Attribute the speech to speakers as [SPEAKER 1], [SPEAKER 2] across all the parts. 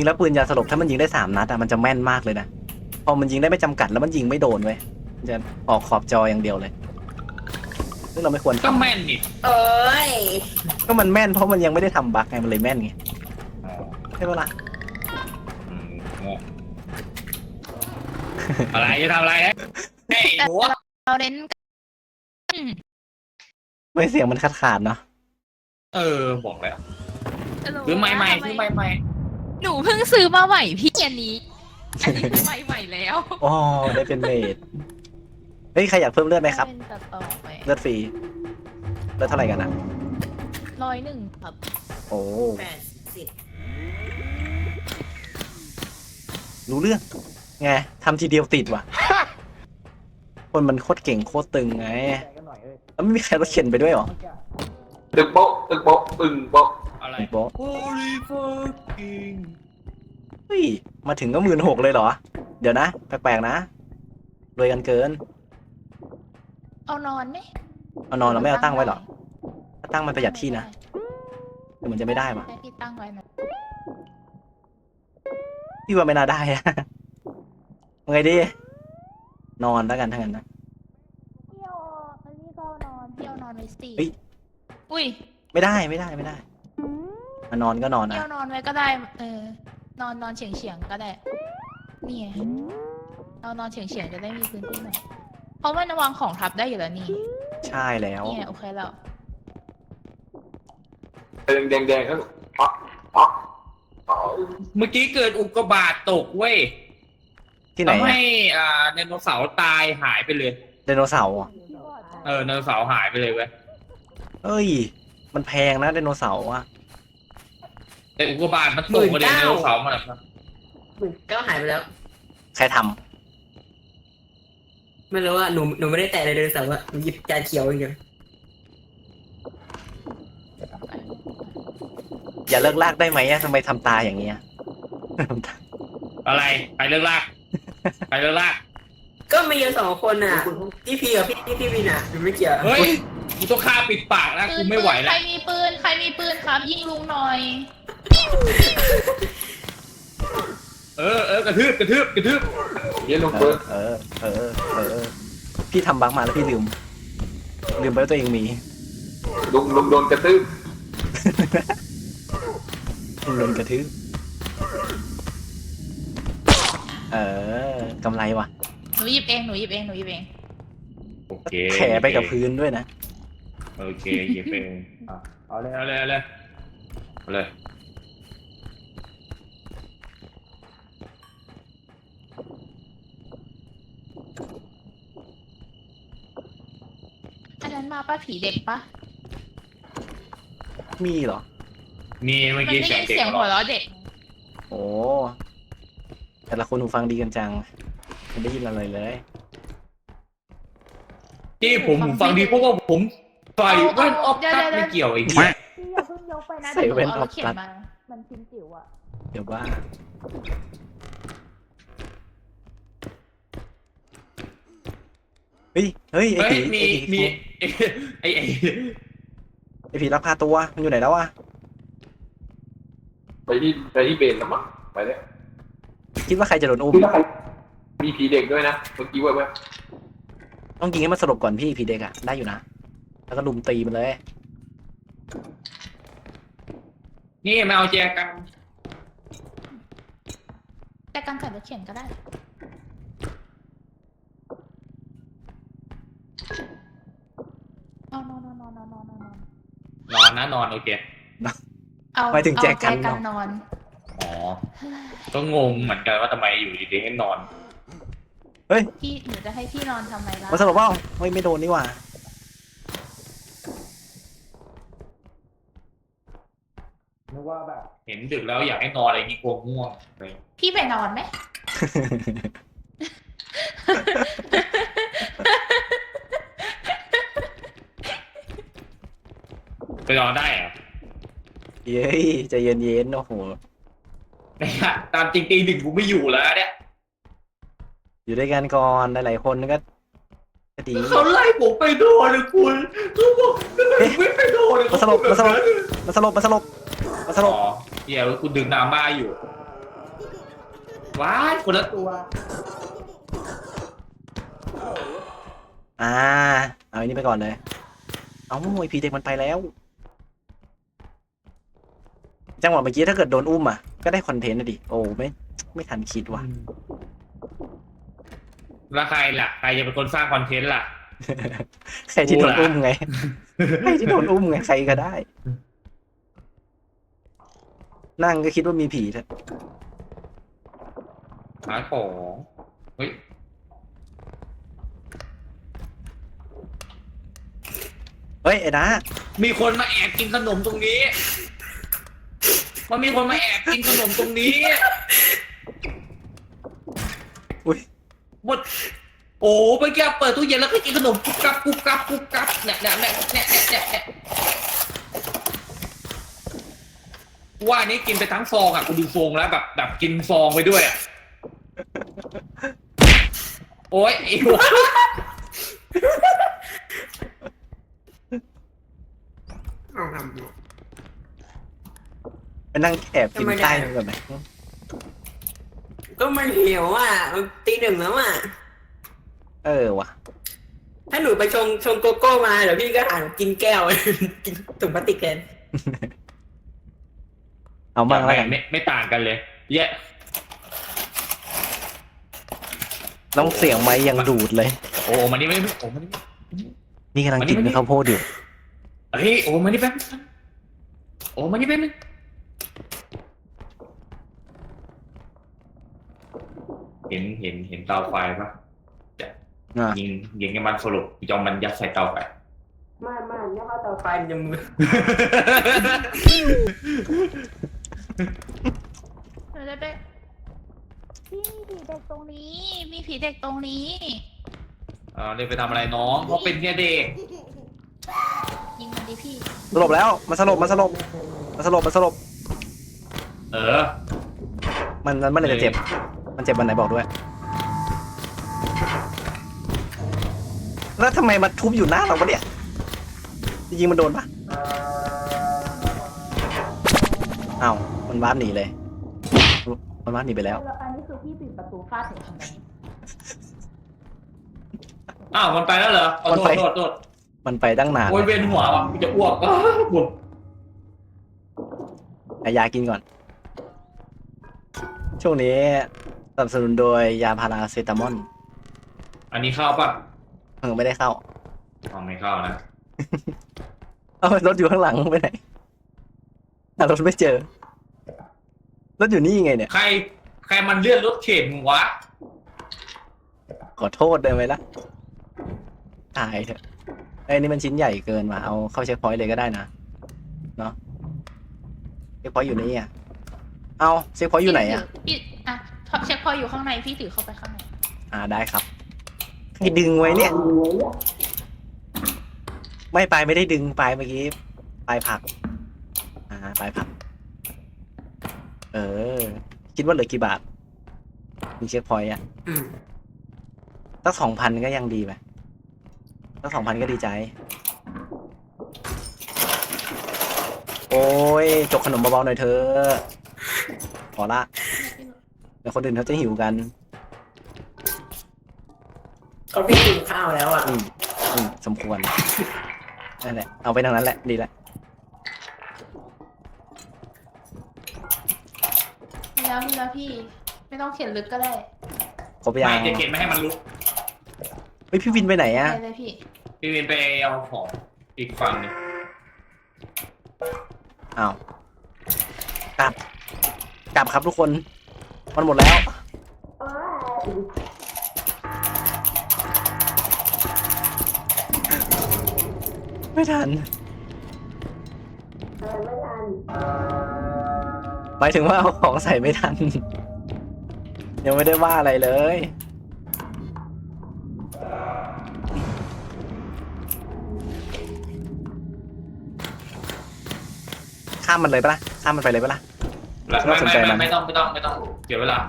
[SPEAKER 1] ริงๆแล้วปืนยาสลบถ้ามันยิงได้3 นัดอะมันจะแม่นมากเลยนะพอมันยิงได้ไม่จำกัดแล้วมันยิงไม่โดนเว้ยมันจะออกขอบจออย่างเดียวเลยซึ่งเราไม่ควร
[SPEAKER 2] ก็
[SPEAKER 1] ทำ
[SPEAKER 2] แม่นนี่
[SPEAKER 3] เอ้ย
[SPEAKER 1] ก็มันแม่นเพราะมันยังไม่ได้ทำบั๊กไงมันเลยแม่นไง
[SPEAKER 2] อ๋อ
[SPEAKER 1] ใช่ปะล่ะ
[SPEAKER 2] งงอะไรจะทำอะไรฮะเฮ้ยหัว
[SPEAKER 4] เราเน้น
[SPEAKER 1] ไม่เสียงมันขาดเนาะ
[SPEAKER 2] บอกแล้วซื้อใหม่ซื้อใหม่
[SPEAKER 4] หนูเพิ่งซื้อมาใหม่พี่อันนี้คือใหม่ใหม่แล้ว
[SPEAKER 1] อ๋อได้เป็นเมดเฮ้ยใครอยากเพิ่มเลือดไหมครับ
[SPEAKER 4] เป็นต่อไป
[SPEAKER 1] เลือดฟรีเลือดเท่าไหร่กันอะ
[SPEAKER 4] 101ครับ
[SPEAKER 1] โอ้
[SPEAKER 3] 80
[SPEAKER 1] รู้เรื่องไงทำทีเดียวติดว่ะ คนมันโคตรเก่งโคตรตึงไงแล้วไม่มีใครรถเข็นไปด้วยหรอ
[SPEAKER 5] ตึกโป๊ะตึกโป๊ะตึงโป๊ะ
[SPEAKER 2] อะไร
[SPEAKER 1] โบ๊ะ
[SPEAKER 2] Holy fucking
[SPEAKER 1] เฮ้ยมาถึงก็16,000เลยเหรอเดี๋ยวนะแปลกๆนะรวยกันเกิน
[SPEAKER 4] เอานอนไหม
[SPEAKER 1] เอานอนเราไม่เอาตั้งไว้หรอถ้าตั้งมันประหยัดที่นะแต่มันจะไม่ได้ปะ
[SPEAKER 4] ให้พี่ตั้งไว้นะ
[SPEAKER 1] พี่ว่าไม่น่าได้อะไงดีนอนแล้วกันทั้งนั้นนะ
[SPEAKER 4] พี่เอาอันนี้ก็เอานอนพี่เอานอนไว้สิ
[SPEAKER 1] เฮ้ย
[SPEAKER 4] อุ้ย
[SPEAKER 1] ไม่ได้มานอนก็นอน
[SPEAKER 4] พี่
[SPEAKER 1] อ่ะ
[SPEAKER 4] เอานอนไว้ก็ได้นอนเฉียงก็ได้นี่ไงเอานอนเฉียงจะได้มีพื้นที่หน่อยเพราะมันวางของทับได้อยู่แล้วนี่
[SPEAKER 1] ใช่แล้ว
[SPEAKER 4] นี่ไงโอเคแล้ว
[SPEAKER 5] แดงแดงก็อ๊อกอ๊อกอ๊อก
[SPEAKER 2] เมื่อกี้เกิดอุกกาบาตตกเว้ย
[SPEAKER 1] ที่ไหน
[SPEAKER 2] ทำ
[SPEAKER 1] อะ
[SPEAKER 2] ให้ไดโนเสาร์ตายหายไปเลย
[SPEAKER 1] ไดโนเสาร์อะ
[SPEAKER 2] ไดโนเสาร์หายไปเลยเว้ย
[SPEAKER 1] เอ้ย มันแพงนะไดโนเสาร์อะ
[SPEAKER 2] แต่อุกกาบาตมันตกมาเลยไดโนเสาร์มันอะ
[SPEAKER 3] ก็หายไปแล้ว
[SPEAKER 1] ใครทำ
[SPEAKER 3] ไม่รู้ว่าหนูไม่ได้แตะเลยเลยแต่ว่าหนูหยิบจานเขียวอย่างเดียว
[SPEAKER 1] อย่าเลิกลากได้ไหมอะทำไมทำตาอย่างเงี้ย
[SPEAKER 2] อะไรใครเลิกลากใครเลิกลาก
[SPEAKER 3] ก็มีอยู่2 คนน่ะพี่พีกับพี่วินอ่ะหนูไม่เกี่ยว
[SPEAKER 2] เฮ้ยกูต้องฆ่าปิดปากนะกูไม่ไหว
[SPEAKER 4] ใค
[SPEAKER 2] แล้
[SPEAKER 4] ร
[SPEAKER 2] ว
[SPEAKER 4] มีปืนครับยิงลุงหน่อย
[SPEAKER 2] กระทืบ
[SPEAKER 5] เย็นลงเปิด
[SPEAKER 1] พี่ทำบั๊กมาแล้วพี่ลืมไปว่าตัวเองมี
[SPEAKER 5] ลุงโดนกระตื้บ
[SPEAKER 1] ลุมกระทืบกำไรว่ะ
[SPEAKER 4] หนูหยิบเอง
[SPEAKER 2] โอเค
[SPEAKER 1] แผลไปกับพื้นด้วยนะ
[SPEAKER 2] โอเคหยิบไปเอาเลย
[SPEAKER 4] อันนั้นมาป้าผีเด็กปะ
[SPEAKER 1] มีเหรอ
[SPEAKER 2] มีเมื่อ
[SPEAKER 4] มัน
[SPEAKER 2] กี้
[SPEAKER 4] ได้
[SPEAKER 2] เสีย
[SPEAKER 4] ยิ
[SPEAKER 2] ง
[SPEAKER 4] น
[SPEAKER 2] เด็ก
[SPEAKER 4] เสียงหัวเราะเด็ก
[SPEAKER 1] โอ้แต่ละคนหูฟังดีกันจังไม่ได้ยินอะไรเลย
[SPEAKER 2] ที่ผมฟังดีเพราะว่าผมใส่แว่นออฟตัดไม่เกี่ยวอีก
[SPEAKER 4] พี่อย่าเพิ่งยกไปนะ
[SPEAKER 1] ใส่
[SPEAKER 4] เดี๋ยวห
[SPEAKER 1] แว่
[SPEAKER 4] นู
[SPEAKER 1] น
[SPEAKER 4] เอา
[SPEAKER 1] ออฟ
[SPEAKER 4] เขีย
[SPEAKER 1] ตั
[SPEAKER 4] น
[SPEAKER 1] ด
[SPEAKER 4] มา มันชิ้นจิ๋วอะ
[SPEAKER 1] เดี๋ยวว่าเฮ้ยไอ้
[SPEAKER 2] เฮ้ย
[SPEAKER 1] ผี
[SPEAKER 2] มีไอ้
[SPEAKER 1] ไอ้ผีลักพาตัวมันอยู่ไหนแล้ววะ
[SPEAKER 5] ไปที่เบนแล้วมั้งไปแล้ว
[SPEAKER 1] คิดว่าใครจะโดนอุ้ม
[SPEAKER 5] มีผีเด็กด้วยนะเมื่อกี้ว่า
[SPEAKER 1] ต้องยิงให้มันสลบก่อนพี่ผีเด็กอะได้อยู่นะแล้วก็ลุมตีมันเลย
[SPEAKER 2] นี่มาเอาแจกัน
[SPEAKER 4] แต่การใส่รถเข็นก็ได้นอน
[SPEAKER 2] นอนโอเค
[SPEAKER 4] เอา
[SPEAKER 1] หมายถึงแจกัน
[SPEAKER 4] นอน
[SPEAKER 2] อ๋อก็งงเหมือนกันว่าทำไมอยู่ดีๆให้นอน
[SPEAKER 1] เฮ้ย
[SPEAKER 4] พี่หนูจะให้พี่นอนทำไมล่ะ
[SPEAKER 1] มันสลบเปล่าไม่โดนนี่หว่า
[SPEAKER 2] นึกว่าแบบเห็นดึกแล้วอยากให้นอนอะไรงี้กลัวง่วงเลย
[SPEAKER 4] พี่ไปนอนไหม
[SPEAKER 2] ไปนอนได้เหรอ
[SPEAKER 1] เย้ยใจเย็นๆโอ้โห
[SPEAKER 2] เนี่ยตามจริงตี 1กูไม่อยู่แล้วเนี่ย
[SPEAKER 1] อยู่ด้วยกันก่อนหลายๆคนก็ดี
[SPEAKER 2] เขาไล่ผมไปนอนเลยคุณเขาบอกไม่ไปนอนเลย
[SPEAKER 1] มันสลบ
[SPEAKER 2] อ๋อเดี๋ยวกูดึงน้ำบ้าอยู่ว้ายคนละตัว
[SPEAKER 1] เอาอันนี้ไปก่อนเลย เอาไอพีเด็กมันไปแล้ว จังหวะเมื่อกี้ถ้าเกิดโดนอุ้มอ่ะก็ได้คอนเทนต์นะดิโอ้ไม่ทันคิดว่ะ
[SPEAKER 2] แล้วใครล่ะใครจะเป็นคนสร้างคอนเทนต์ล่ะ
[SPEAKER 1] ใครที่โดนอุ้มไง ใครที่โดนอุ้มไงใครก็ได้ นั่งก็คิดว่ามีผีเถอะ
[SPEAKER 2] หาของเฮ้ย
[SPEAKER 1] เฮ้ยไอ้นะ
[SPEAKER 2] มีคนมาแอบกินขนมตรงนี้มันมีคนมาแอบกินขนมตรงนี้
[SPEAKER 1] อุ้ย
[SPEAKER 2] หมดโอ้เมื่อกี้เปิดตู้เย็นแล้วก็กินขนมกุ๊บกับกุ๊บกับกุ๊บกับเนี่ยว่านี้กินไปทั้งฟองอ่ะกูดูฟองแล้วแบบกินฟองไปด้วยอ่ะโอ้ยไอ้วะ
[SPEAKER 3] เอาทำ
[SPEAKER 1] ไปนั่งแอบกินใต้มันก่อนไหม
[SPEAKER 3] ก็มันหิวอ่ะมันตีหนึ่งแล้วอ่ะ
[SPEAKER 1] ว่ะ
[SPEAKER 3] ถ้าหนูไปชงโกโก้มาเดี๋ยวพี่ก็หากินแก้ว กินถุงพลาสติกแทน
[SPEAKER 1] เอามั่งแล้วกัน
[SPEAKER 2] ไม่ต่างกันเลยแย่
[SPEAKER 1] ต้องเสียงไม้ยังดูดเลย
[SPEAKER 2] โอ้มันนี่ไม่โอ้มันนี่
[SPEAKER 1] นี่กำลังกินข้าวโพดอยู่
[SPEAKER 2] เฮ้ยโอ้มันนี่แป๊บโอ้มันนี่แป๊บนึงเห็นเตาไฟปะ ยิงให้มันสรุปยอมมันยัดใส่เตาไฟ
[SPEAKER 3] ไม่เนี่ยเขาเตาไฟมันจะมือ
[SPEAKER 4] เดี๋ยวไปพี่มีผีเด็กตรงนี้ มีผีเด็กตรงนี้
[SPEAKER 2] เรียกไปทำอะไรน้องเขาเป็นแค่เด็ก
[SPEAKER 4] ยิงมันดิพี่
[SPEAKER 1] สลบแล้วมันสลบมันสลบมันเมื่อไหร่จะเจ็บ มันเจ็บวันไหนบอกด้วย แล้วทำไมมาทุบอยู่หน้าเราวะเนี่ยจริงๆมันโดนปะอ้าวมันวาร์ปหนีเลย มันวาร์ปหนีไปแล้ว
[SPEAKER 4] แล้วอันนี้คือพี่ปิดประตูฟาดถึงทำไม
[SPEAKER 2] อ้าวมันไปแล้วเหรอโทษ
[SPEAKER 1] มันไปตั้งนาน
[SPEAKER 2] โอ้ยเวียนหัวว่ะจะอ้วกปวด
[SPEAKER 1] ยากินก่อน ช่วงนี้สนับสนุนโดยยาพาราเซตามอล
[SPEAKER 2] อันนี้เข้าปะ
[SPEAKER 1] ไม่ได้เข้า
[SPEAKER 2] ไม่เข้านะ
[SPEAKER 1] เอารถอยู่ข้างหลังไปไหนหารถไม่เจอ รถอยู่นี่ไงเนี่ย
[SPEAKER 2] ใครมันเลื่อนรถเข็นวะ
[SPEAKER 1] ขอโทษได้ไหมล่ะตายเถอะไอ้นี่มันชิ้นใหญ่เกินมาเอาเข้าเช็คพอยต์เลยก็ได้นะเนาะเช็คพอยต์อยู่นี่อ่ะเอาเช็คพอยต์อยู่ไหนอ่ะ
[SPEAKER 4] พี่อ่ะเช็คพอยต์อยู่ข้างในพี่ถือเข้าไปข้างใน
[SPEAKER 1] ได้ครับให้ดึงไว้เนี่ยไม่ไปไม่ได้ดึงไปเมื่อกี้ไปผักไปผักคิดว่าเหลือกี่บาทมีเช็คพอยต์อ่ะสัก 2,000 ก็ยังดีไปสัก 2,000 ก็ดีใจโอ้ยจกขนมเบาๆหน่อยเธอขอละเดี๋ยวคนอื่นเขาจะหิวกัน
[SPEAKER 3] ก็พี่กินข้าวแล้วอ่ะ
[SPEAKER 1] สมควรนั่นแหละเอาไปทางนั้นแหละดีแหละ
[SPEAKER 4] แล้วพี่ไม่ต้องเขียนลึกก็ได้
[SPEAKER 1] ครบยัง
[SPEAKER 2] ไม่จะเข็นไม่ให้มันลุก
[SPEAKER 1] เฮ้ยพี่วินไปไหนอะ
[SPEAKER 4] ไปเลยพี่
[SPEAKER 2] พี่เวียนไปเอาของอีกฝั่งนึง
[SPEAKER 1] อ้าวกลับครับทุกคนมันหมดแล้วไม่ทันหมายถึงว่าเอาของใส่ไม่ทัน ยังไม่ได้ว่าอะไรเลยข้ามมันเลยปะล่ะข้ามมันไปเลยปะล่ะ
[SPEAKER 2] ไม่ต้องเสียเวลา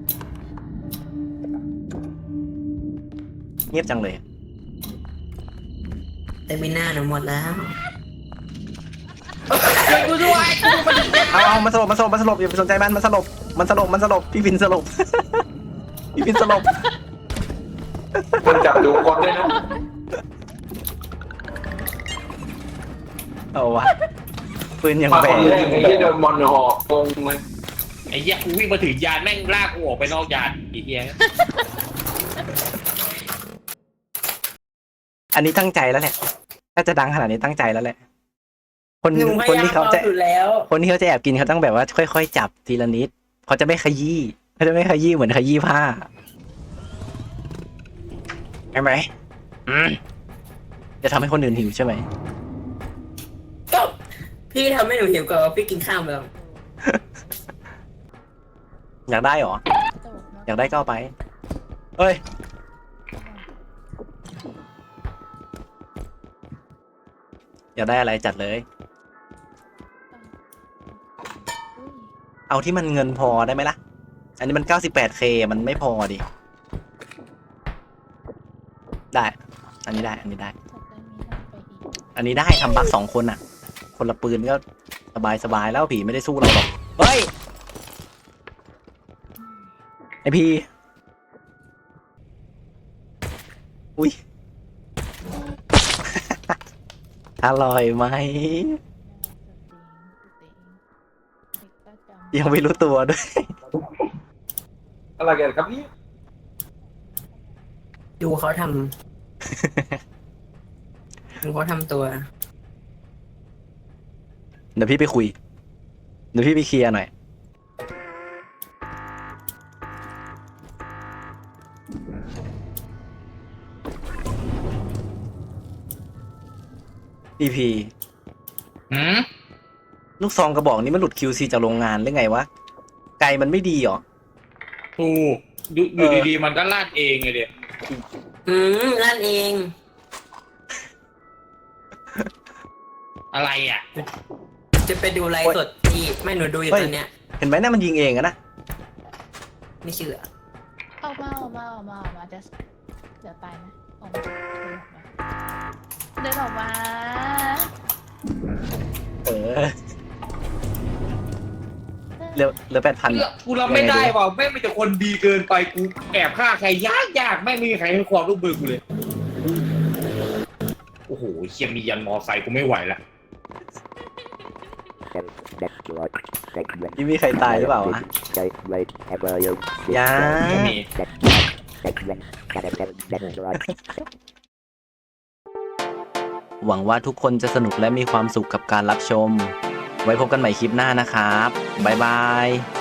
[SPEAKER 1] เงียบจังเลย
[SPEAKER 3] แต่ไม่น่าหนูหมดแล้ว
[SPEAKER 2] ช่วยกูด้วยกูมันถึงจะ
[SPEAKER 1] เอามันสลบอย่าไปสนใจมันสลบพี่ฟินสลบ พี่ฟินสลบ
[SPEAKER 5] มันจับดูคนด้วยนะ
[SPEAKER 1] เอาวะปืนยัง
[SPEAKER 5] มา
[SPEAKER 1] แบ
[SPEAKER 5] คน
[SPEAKER 1] น
[SPEAKER 5] แรกไอ้ที่โดนมอนหอกงงเลย
[SPEAKER 2] ไอ้เหี้ยกูวิ่งมาถึงยานแม่งลากกูออกไปนอกยานไอ้เหี้ย
[SPEAKER 1] อันนี้ตั้งใจแล้วแหละถ้าจะดังขนาดนี้ตั้งใจแล้วแหละ คน
[SPEAKER 3] หนูพ
[SPEAKER 1] คน
[SPEAKER 3] ยายาม
[SPEAKER 1] ที่เขา
[SPEAKER 3] เอา
[SPEAKER 1] จะ
[SPEAKER 3] อยู่แล้ว
[SPEAKER 1] คนที่เขาจะแอบกินเขาต้องแบบว่าค่อยๆจับทีละนิดเขาจะไม่ขยี้เหมือนขยี้ผ้าใช่ไหมจะทำให้คนอื่นหิวใช่ไหม
[SPEAKER 3] ก็พี่ทำให้หนูหิวก่อนว่าพี่กินข้าวไปแล้ว
[SPEAKER 1] อยากได้เหรอ อยากได้ก็เอาไปเอ้ยอยากได้อะไรจัดเลย เอาที่มันเงินพอได้ไหมล่ะ อันนี้มัน 98K มันไม่พอดิ ได้ อันนี้ได้ อันนี้ได้ อันนี้ได้ทำบัค2 คนอ่ะ คนละปืนก็สบายแล้วผีไม่ได้สู้เราหรอก เฮ้ย ไอพีอุ้ย อร่อยไหม ยังไม่รู้ตัวด้วย
[SPEAKER 5] อะไรกันครับเนี่ย
[SPEAKER 3] ดูเขาทำ ดูเขาทำตัว
[SPEAKER 1] เดี๋ยวพี่ไปคุย เดี๋ยวพี่ไปเคลียร์หน่อย พีพี
[SPEAKER 2] หืม
[SPEAKER 1] ลูกซองกระบอกนี้มันหลุด QC จากโรงงานหรือไงวะ ไกลมันไม่ดีเหรอ
[SPEAKER 2] ถูกอยู่ดีๆมันก็ลาดเองเลยเดี๋ย
[SPEAKER 3] นั่นเอง
[SPEAKER 2] อะไรอ่ะ
[SPEAKER 3] จะไปดูไลฟ์สดที่ไม่หนูดูอยู่
[SPEAKER 1] เฮ้ย
[SPEAKER 3] ตอนเนี้ย
[SPEAKER 1] เห็นไหมน่ามันยิงเองอะนะ
[SPEAKER 3] ไม่เชื่อ
[SPEAKER 4] ออกมาจะเดี๋ยวตายนะออกมาเดินออกมา
[SPEAKER 1] เออเหลือ8,000
[SPEAKER 2] กูรับไม่ได้ว่ะแม่งมีแต่คนดีเกินไปกูแอบฆ่าใครยากแม่งไม่มีใครให้ความร่วมมือกูเลย โอ้โหเคียมียันมอไซค์กูไม่ไหวละ
[SPEAKER 1] นี่มีใครตายหรือเปล่าวะ ยัง
[SPEAKER 2] ไม่มี
[SPEAKER 1] หวังว่าทุกคนจะสนุกและมีความสุขกับการรับชม ไว้พบกันใหม่คลิปหน้านะครับ บ๊ายบาย